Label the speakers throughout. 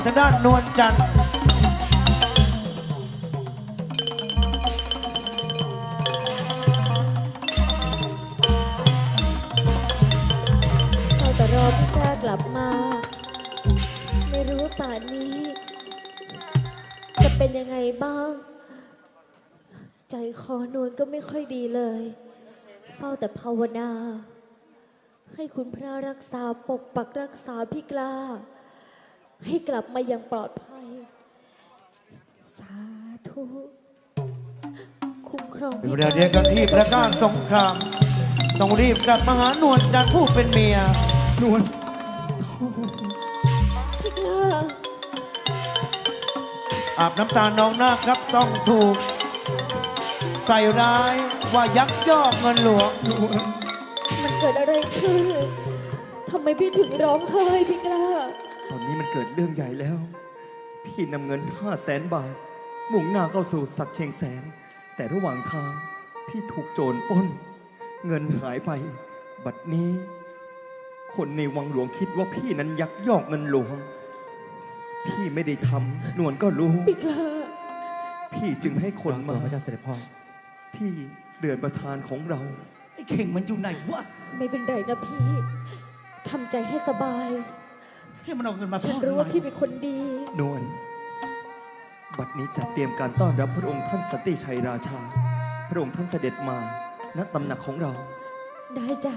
Speaker 1: ทางด้านนวลจันทร์
Speaker 2: เราแต่รอพี่กล้ากลับมา ไม่รู้ว่าป่านนี้ จะเป็นยังไงบ้าง ใจคอนวลก็ไม่ค่อยดีเลย เฝ้าแต่ภาวนา ให้คุณพระรักษาปกปักรักษาพี่กล้า ให้กลับมาอย่างปลอดภัย สาธุคุ้มครองพี่ก
Speaker 1: เดี๋ยว
Speaker 2: ล้า
Speaker 1: เดียวกันที่ประกาศสงครามต้องรีบกลับมาหานวลจันทร์ผู้เป็นเมีย
Speaker 3: นวล
Speaker 2: พี่กล้า
Speaker 1: อาบน้ำตาน้องนาคครับต้องถูก ใส่ร้ายว่ายักยอกเงินหลวง
Speaker 3: นวล
Speaker 2: มันเกิดอะไรขึ้น ทำไมพี่ถึงร้องไห้พี่กล้า
Speaker 3: ตอนนี้มันเกิดเรื่องใหญ่แล้ว พี่นำเงิน500,000 บาท มุ่งหน้าเข้าสู่สักเชียงแสน แต่ระหว่างทาง พี่ถูกโจรปล้น เงินหายไป บัดนี้ คนในวังหลวงคิดว่าพี่นั้นยักยอกเงินหลวง พี่ไม่ได้ทำนวลก็รู้
Speaker 2: พี่กล้า
Speaker 3: พี่จึงให้คนมา
Speaker 4: พระเจ้าเสด็จพ่อ
Speaker 3: ที่เดือนประธานของเรา
Speaker 5: ไอ้เข่งมันอยู่ไหนวะ
Speaker 2: ไม่เป็นไรนะพี่ ทำใจให้สบาย
Speaker 5: ให้มันเอาเงินมาซ่
Speaker 2: ฉั
Speaker 5: อน น
Speaker 2: รู้ว่าพี่เป็นคนดี
Speaker 3: นวลบัดนี้จัดเตรียมการต้อนรับพระองค์ท่านสันติชัยราชา พระองค์ท่านเสด็จมาณตำหนักของเรา
Speaker 2: ได้จ้ะ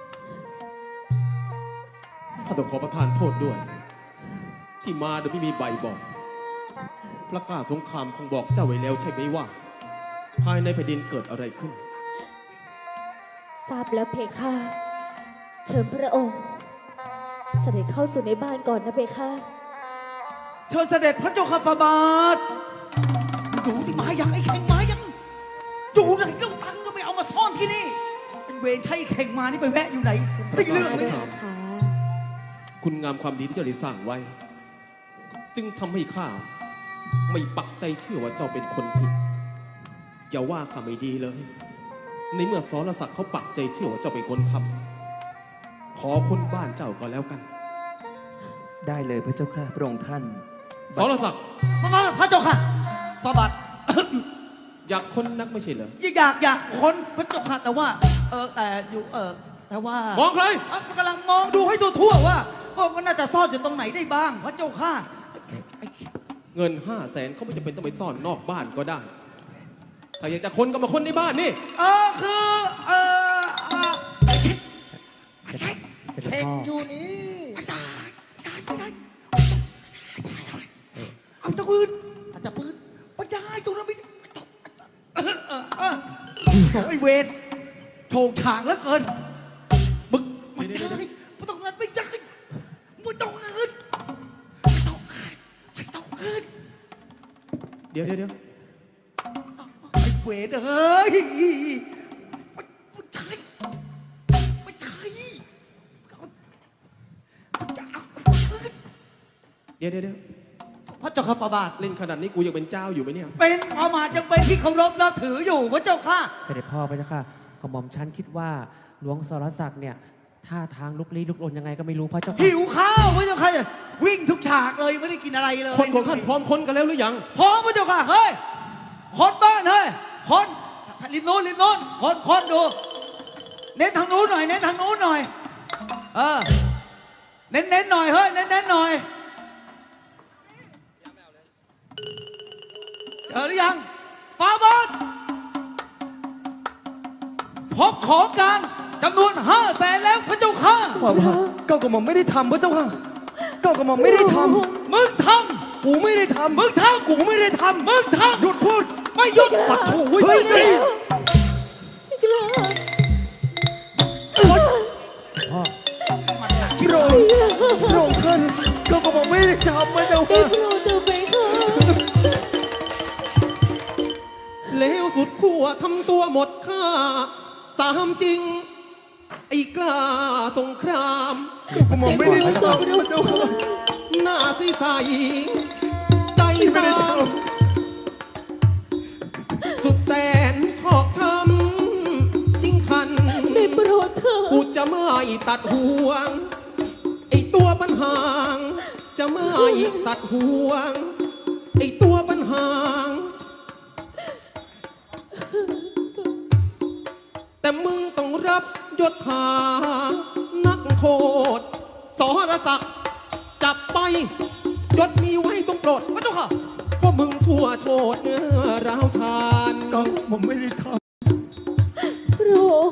Speaker 6: ข้าต้องขอประทานโทษด้วย ที่มาโดยไม่มีใบบอกพระกล้าสงครามคงบอกเจ้าไว้แล้วใช่ไหมว่า ภายในแผ่นดินเกิดอะไรขึ้น
Speaker 2: ทราบแล้วเพคะ เชิญพระองค์ เสด็จเข้าสู่ในบ้านก่อนนะเพคะ
Speaker 5: เชิญเสด็จพระเจ้าข้าฟาบาทอยู่ที่มายังไอ้เข่งมายังอยู่ไหนเจ้าตังค์ก็ไปเอามาซ่อนที่นี่ไอ้เวรใช้ไอ้เข่งมานี่ไปแวะอยู่ไหนได้เรื่องไหม
Speaker 2: ค่ะ
Speaker 6: คุณงามความดีที่เจ้าได้สร้างไว้ จึงทำให้ข้าไม่ปักใจเชื่อว่าเจ้าเป็นคนผิด อย่าว่าข้าไม่ดีเลย ในเมื่อสรศักดิ์เขาปักใจเชื่อว่าเจ้าเป็นคนทำขอคนบ้านเจ้าก็แล้วกัน
Speaker 3: ได้เลยพระเจ้าค่ะพระองค์ท่าน
Speaker 6: สรศักดิ์
Speaker 5: มาพระเจ้าค่ะฟาบาท
Speaker 6: อยากคนนักไม่ใช่เหรอ
Speaker 5: อยากคนพระเจ้าค่ะแต่ว่าแต่อยู่แต่ว่าม
Speaker 6: องใคร
Speaker 5: กำลังมองดูให้ทั่วๆว่ามันน่าจะซ่อนอยู่ตรงไหนได้บ้าง พระเจ้าค่ะไอ้
Speaker 6: เงิน500,000เขาไม่จำเป็นต้องไปซ่อนนอกบ้านก็ได้ ถ้าอยากจะคนก็มาคนในบ้านนี่
Speaker 5: คือไอ้เช็คไอ้เช็ค
Speaker 4: เสด็จ
Speaker 5: เช็ค
Speaker 4: พ่อ
Speaker 5: อยู่นี่ไอ้ตายไม่ได้เอาตะปืนอาจจะปืนไม่ได้ตรงนั้นไม่ได้ไอ้เวรโถงฉางแล้วเกินมึงไม่ได้ไม่ต้องนั้นไม่ได้ไม่ต้องเงินไม่ต้องเงิน
Speaker 6: เดี๋ยว
Speaker 5: ไอ้เวรเอ้ยไม่ใช่ไม่ใช่จะเอาเงิน
Speaker 6: เดี๋ยว
Speaker 5: พระเจ้าข้าฟาบาท
Speaker 6: เล่นขนาดนี้กูยังเป็นเจ้าอยู่ไหมเนี่ย
Speaker 5: เป็นประมาทยังเป็นที่เคารพนับถืออยู่พระเจ้าข้า
Speaker 4: เสด็จพ่อพระเจ้าค่ะกระหม่อมชั้นคิดว่าหลวงสรศักดิ์เนี่ยท่าทางลุกลี้ลุกลนยังไงก็ไม่รู้พระเจ้าค่ะ
Speaker 5: หิวข้าวพระเจ้าค่ะวิ่งทุกฉากเลยไม่ได้กินอะไรเลย
Speaker 6: คนของท่านพร้อมคนกันแล้วหรือยัง
Speaker 5: พร้อมพระเจ้าค่ะเฮ้ยคนบ้านเฮ้ยคนริมโน้นคนดู เน้นทางนู้นหน่อยเน้นทางนู้นหน่อยเน้นหน่อยเฮ้ยเน้นหน่อยเจอหรือยังฟาบาทพบของกลางจำนวน500,000แล้วพระเจ้าค่ะ
Speaker 3: ฝ่าบาทเก้ากระหม่อมไม่ได้ทำพระเจ้าค่ะเก้ากระหม่อมไม่ได้ท
Speaker 5: มึงท
Speaker 3: ำกูไม่ได้ทำ
Speaker 5: ำมึงทำ
Speaker 3: กูไม่ได้ทำ
Speaker 5: มึงทำ
Speaker 3: หยุดพูด
Speaker 5: ไม่หยุด
Speaker 3: ปัดโถเว้ย
Speaker 5: เฮ้ย
Speaker 2: พี่กล้า
Speaker 4: พ่อ
Speaker 3: พระองค์พระองค์ท่านเก้ากระหม่อมไม่ได้ทำพระเจ้า
Speaker 2: ได้
Speaker 3: ค่ะ
Speaker 2: โปรดเถอะเพคะ
Speaker 6: เลวสุดขั้วทำตัวหมดค่า สามจริง ไอ้กล้าสงคราม
Speaker 3: กระหม่อมไม่ได้ทำพระเจ้าค่ะ
Speaker 6: หน้าซีใสใจ
Speaker 3: ไม่ได้
Speaker 6: ซ้
Speaker 3: ท
Speaker 6: ำสุดแสนชอกช้ำจริงชัน
Speaker 2: ได้โปรดเถอะ
Speaker 6: กูจะไม่ตัดห่วง ไอ้ตัวปัญหาจะไม่ตัดห่วง ไอตัวปัญหา แต่มึงต้องรับยศถานักโทษสรศักดิ์จับไปยศมีไว้ต้องปลด
Speaker 5: พระเจ้าค่ะ
Speaker 6: เพราะมึงชั่วโชดเนื้อร้าวชาน
Speaker 3: ก็ผมไม่ได้ท
Speaker 2: พระองค์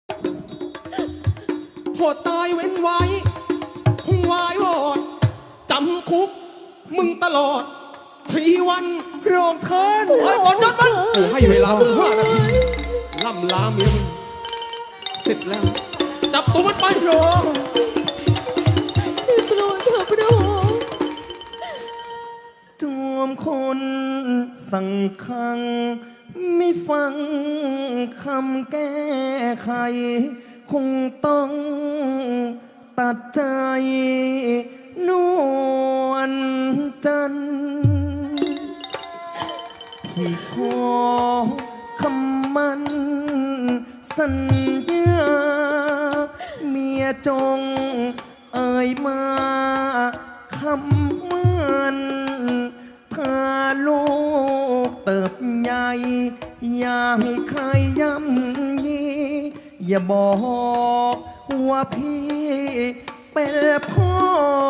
Speaker 6: โทษตายเว้นไว้ คงวายวอดจำคุก มึงตลอดชีวัน
Speaker 3: ำพระองค์ท่าน
Speaker 5: เฮ้ยบอลยศมัน
Speaker 6: กูให้เวลามึง5 นาที ล่ำลาเมียมึง เสร็จแล้ว จับตัวมันไป
Speaker 3: พระองค์
Speaker 2: ได้โปรดเถอะพระองค์
Speaker 3: จวมคนสั่งคัง ไม่ฟังคำแก้ไข คงต้องตัดใจนวลจันทร์พี่ขอคำมันสัญญา เมียจงเอ่ยมาคำมันถ้าลูกเติบใหญ่ อย่าให้ใครย่ำยี อย่าบอกว่าพี่เป็นพ่อ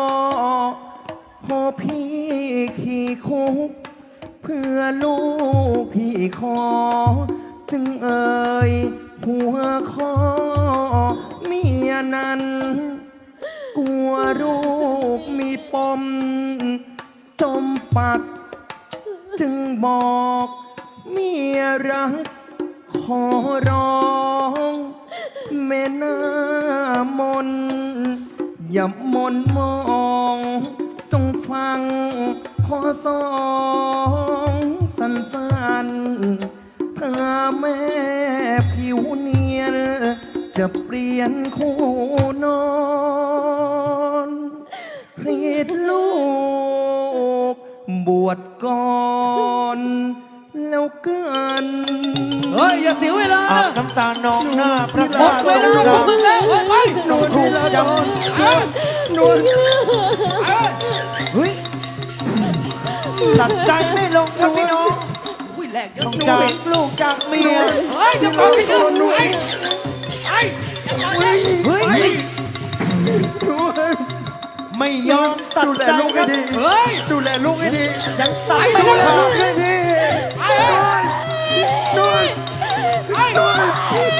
Speaker 3: พี่ขี่คุก เพื่อลูกพี่ขอ จึงเอ่ยหัวคอเมียนั้น กลัวลูกมีปมจมปัก จึงบอกเมียรัก ขอร้องแม่หน้ามน อย่ามนมองจงฟังขอสองสั้นๆถ้าแม่ผิวเนียน จะเปลี่ยนคู่นอนให้ลูกบวชก่อนแล้วกัน
Speaker 5: เฮ้ย อย่าเสียเวลา
Speaker 1: อาบ
Speaker 5: นะ
Speaker 1: น้ำตานองหน้าพระ
Speaker 5: หมดเวลาของมึงแล้วเฮ้ยไป
Speaker 1: ต้องถูกจ
Speaker 3: นวล
Speaker 1: ำเฮ้ยตัดใจไม่ลงครับพี่น้อง
Speaker 5: อุ้ยแรงเยอะ
Speaker 1: ต้องจากลูกจากเมีย
Speaker 5: เฮ้ยจะฟังพี่กันไอ้ไอ้จะฟังเลย
Speaker 1: เฮ้ย
Speaker 3: นวล
Speaker 1: ไม่ยอมตัด
Speaker 3: ดูแล
Speaker 1: ใจ
Speaker 3: ลูก
Speaker 1: ค
Speaker 3: ให้
Speaker 1: รับ
Speaker 3: ดี
Speaker 5: เฮ้ย
Speaker 3: ดูแลลูกให้ดี
Speaker 1: ยังตัด
Speaker 3: ดู
Speaker 1: ไม่
Speaker 3: แล
Speaker 1: ขา
Speaker 3: ลู
Speaker 1: ด
Speaker 3: กให้ดี
Speaker 5: ไอ้
Speaker 3: นวล
Speaker 5: ไอ้
Speaker 3: นวล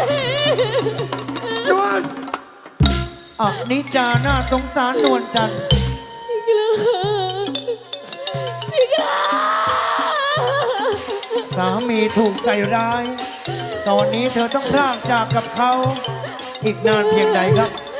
Speaker 3: นวล
Speaker 1: อับนิจาน่าสงสารนวลจันทร์
Speaker 2: พี่กล้า
Speaker 1: สามีถูกใส่ร้าย ตอนนี้เธอต้องพรากจากกับเขา อีกนานเพียงใดครับ